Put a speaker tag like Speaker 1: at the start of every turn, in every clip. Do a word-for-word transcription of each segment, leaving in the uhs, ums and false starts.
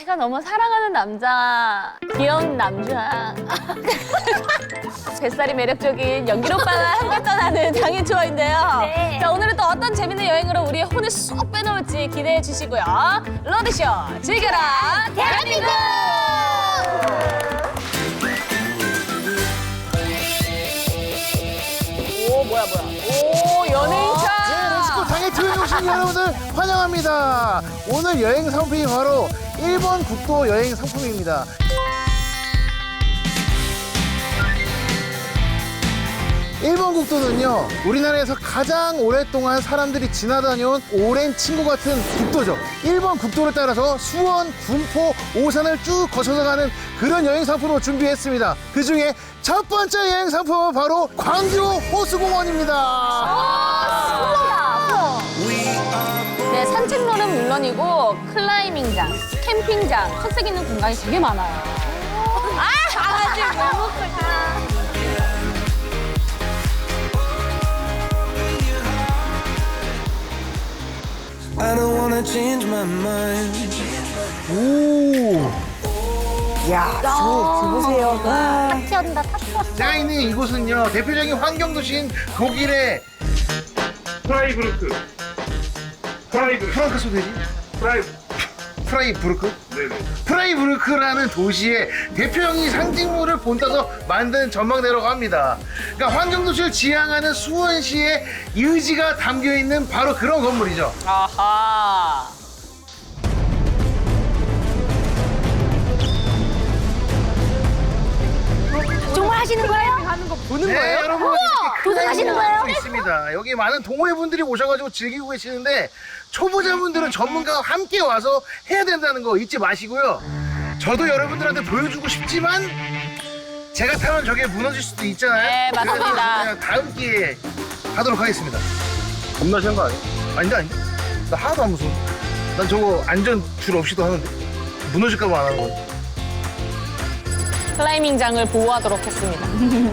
Speaker 1: 제가 너무 사랑하는 남자, 귀여운 남자. 뱃살이 매력적인 연길 오빠와 함께 떠나는 장애 투어인데요.
Speaker 2: 네.
Speaker 1: 자, 오늘은 또 어떤 재밌는 여행으로 우리의 혼을 쏙 빼놓을지 기대해 주시고요. 로드쇼 즐겨라 대한민국! 오, 뭐야, 뭐야. 오, 연예인차!
Speaker 3: 네, 렛츠고 당일투어에 오신 여러분들 환영합니다. 오늘 여행 상품이 바로 일본 국도 여행 상품입니다. 일본 국도는요, 우리나라에서 가장 오랫동안 사람들이 지나다녀온 오랜 친구 같은 국도죠. 일본 국도를 따라서 수원, 군포, 오산을 쭉 거쳐서 가는 그런 여행 상품을 준비했습니다. 그 중에 첫 번째 여행 상품은 바로 광교 호수공원입니다.
Speaker 1: 네, 산책로는 물론이고 클라이밍장, 캠핑장, 특색 있는 공간이 되게 많아요. 아, 강아지 너무 크다.
Speaker 4: I don't wanna change my mind.
Speaker 3: 오.
Speaker 2: 야, 저 보세요.
Speaker 1: 탁 튀어온다, 탁 튀어.
Speaker 3: 제가 있는 이곳은요, 대표적인 환경도시인 독일의
Speaker 5: 프라이부르크. 프라이부르크.
Speaker 3: 프랑크 소대지?
Speaker 5: 프라이.
Speaker 3: 프라이부르크?
Speaker 5: 네네.
Speaker 3: 프라이부르크라는 도시의 대표적인 상징물을 본따서 만든 전망대라고 합니다. 그러니까 환경도시를 지향하는 수원시의 의지가 담겨 있는 바로 그런 건물이죠.
Speaker 1: 아하.
Speaker 2: 정말 하시는 거예요?
Speaker 1: 하는 거 보는
Speaker 3: 네,
Speaker 1: 거예요?
Speaker 3: 여러분 이렇게
Speaker 2: 도전하시는 거예요?
Speaker 3: 하고 있습니다. 여기 많은 동호회분들이 오셔가지고 즐기고 계시는데 초보자분들은 전문가와 함께 와서 해야 된다는 거 잊지 마시고요. 저도 여러분들한테 보여주고 싶지만 제가 타면 저게 무너질 수도 있잖아요.
Speaker 1: 네, 맞습니다.
Speaker 3: 그래서 그냥 다음 기회에 하도록 하겠습니다. 겁나시는 거 아니야? 아니다, 아니다. 나 하나도 안 무서워. 난 저거 안전 줄 없이도 하는데 무너질까 봐 안 하는 거야.
Speaker 1: 클라이밍장을 보호하도록 했습니다.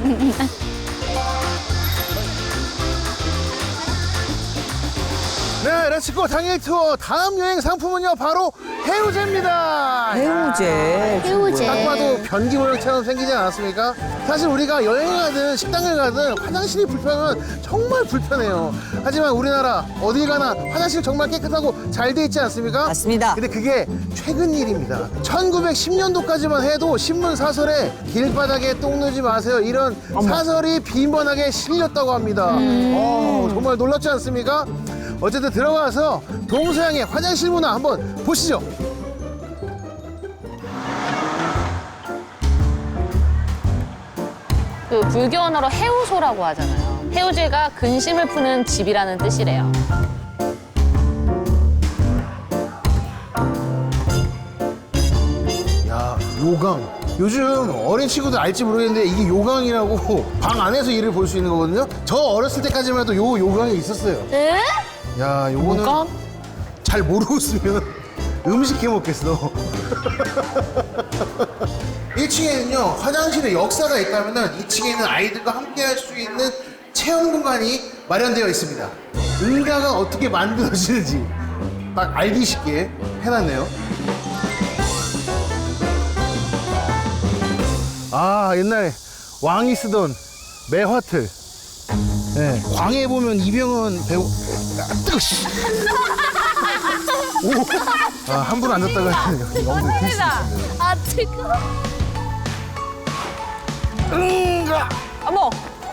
Speaker 3: 네, 렛츠고 당일 투어 다음 여행 상품은요 바로 해우제입니다.
Speaker 2: 해우제. 해우제.
Speaker 3: 딱 봐도 변기 모양처럼 생기지 않았습니까? 사실 우리가 여행을 가든 식당을 가든 화장실이 불편하면 정말 불편해요. 하지만 우리나라 어딜 가나 화장실 정말 깨끗하고 잘 돼 있지 않습니까?
Speaker 2: 맞습니다.
Speaker 3: 근데 그게 최근 일입니다. 천구백십 년도까지만 해도 신문 사설에 길바닥에 똥 누지 마세요 이런 사설이 빈번하게 실렸다고 합니다. 어, 정말 놀랍지 않습니까? 어쨌든 들어가서 동서양의 화장실 문화 한번 보시죠.
Speaker 1: 그 불교 언어로 해우소라고 하잖아요. 해우제가 근심을 푸는 집이라는 뜻이래요.
Speaker 3: 야, 요강. 요즘 어린 친구들 알지 모르겠는데 이게 요강이라고 방 안에서 일을 볼 수 있는 거거든요. 저 어렸을 때까지만 해도 요 요강이 있었어요.
Speaker 1: 네?
Speaker 3: 야, 요거는
Speaker 1: 요강?
Speaker 3: 잘 모르고 있으면 음식 해 먹겠어. 일 층에는요 화장실에 역사가 있다면은 이 층에는 아이들과 함께 할 수 있는 체험 공간이 마련되어 있습니다. 응가가 어떻게 만들어지는지 딱 알기 쉽게 해놨네요. 아, 옛날에 왕이 쓰던 매화틀. 네, 광해 보면 이병헌 배우. 아, 뜨거. 씨. 오. 아, 한 분 앉았다가 엉덩이 뛸수 있습니다.
Speaker 1: 아, 뜨거워.
Speaker 3: 응가.
Speaker 1: 어머!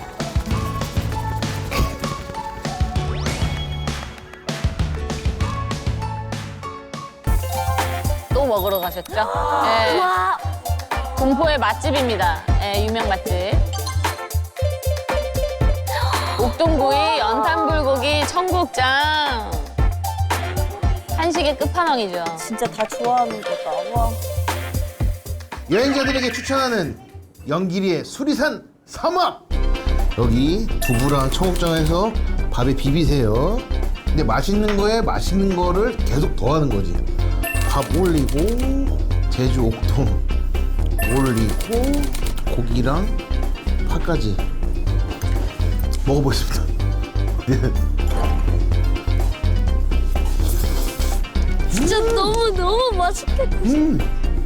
Speaker 1: 또 먹으러 가셨죠? 네.
Speaker 2: 와,
Speaker 1: 군포의 맛집입니다. 네, 유명 맛집. 옥동구이, 연탄불고기, 청국장. 한식의 끝판왕이죠.
Speaker 2: 진짜 다 좋아하는 거다. 와.
Speaker 3: 여행자들에게 추천하는 영길이의 수리산 삼합. 여기 두부랑 청국장에서 밥에 비비세요. 근데 맛있는 거에 맛있는 거를 계속 더하는 거지. 밥 올리고 제주 옥동 올리고 고기랑 파까지 먹어보겠습니다. 네.
Speaker 2: 진짜 너무 너무 맛있겠다.
Speaker 3: 음.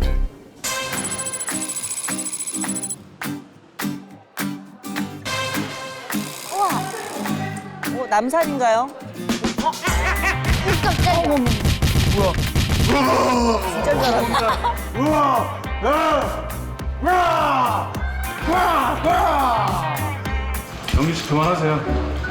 Speaker 2: 어, 남산인가요? 깜짝이야. 어머,
Speaker 3: 뭐야?
Speaker 2: 진짜 잘한다.
Speaker 3: 우와! 와! 와! 와! 와!
Speaker 5: 영민 씨 그만하세요.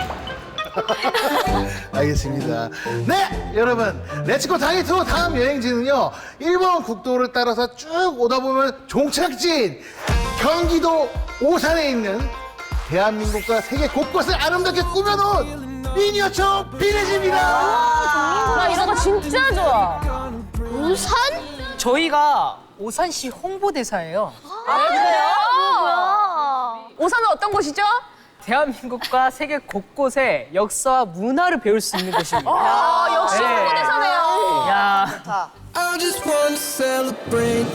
Speaker 3: 알겠습니다. 네, 여러분, 렛츠고 당일 투어 다음 여행지는요, 일본 국도를 따라서 쭉 오다 보면 종착지인 경기도 오산에 있는 대한민국과 세계 곳곳을 아름답게 꾸며놓은 미니어처 비레지입니다.
Speaker 1: 나 이런 거 진짜 좋아.
Speaker 2: 우산?
Speaker 6: 저희가 오산시 홍보대사예요.
Speaker 1: 아, 그래요? 오산은 어떤 곳이죠?
Speaker 6: 대한민국과 세계 곳곳의 역사와 문화를 배울 수 있는 곳입니다.
Speaker 1: 아, 역시
Speaker 6: 네.
Speaker 1: 홍보대사네요.
Speaker 6: 야,
Speaker 4: I just want to celebrate.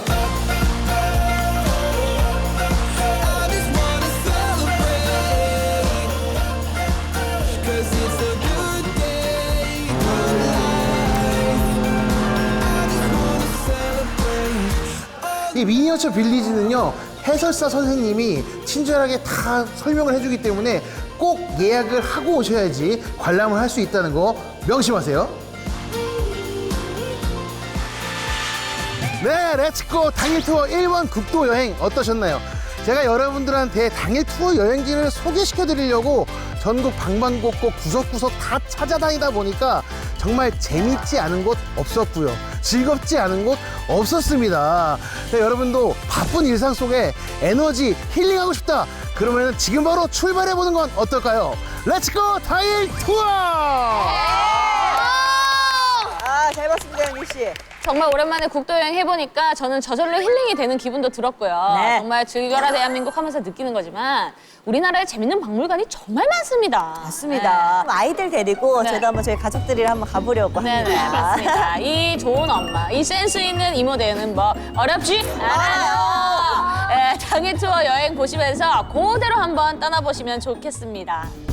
Speaker 4: I just want to celebrate. 'Cause it's a good day in my life. I just want to celebrate.
Speaker 3: 이 미니어처 빌리지는요, 해설사 선생님이 친절하게 다 설명을 해주기 때문에 꼭 예약을 하고 오셔야지 관람을 할 수 있다는 거 명심하세요. 네, 렛츠고 당일 투어 일본 국도 여행 어떠셨나요? 제가 여러분들한테 당일 투어 여행지를 소개시켜 드리려고 전국 방방곡곡 구석구석 다 찾아다니다 보니까 정말 재밌지 않은 곳 없었고요. 즐겁지 않은 곳 없었습니다. 네, 여러분도 바쁜 일상 속에 에너지 힐링하고 싶다. 그러면 지금 바로 출발해 보는 건 어떨까요? 렛츠고 당일 투어!
Speaker 2: 아, 잘 봤습니다, 영민 씨.
Speaker 1: 정말 오랜만에 국도 여행 해보니까 저는 저절로 힐링이 되는 기분도 들었고요.
Speaker 2: 네.
Speaker 1: 정말 즐겨라 대한민국 하면서 느끼는 거지만 우리나라에 재밌는 박물관이 정말 많습니다.
Speaker 2: 맞습니다. 아이들 데리고
Speaker 1: 네.
Speaker 2: 저도 한번 저희 가족들이랑 한번 가보려고 합니다.
Speaker 1: 네네, 맞습니다. 이 좋은 엄마, 이 센스 있는 이모 대는 뭐 어렵지 않아요. 네, 당일 투어 여행 보시면서 그대로 한번 떠나보시면 좋겠습니다.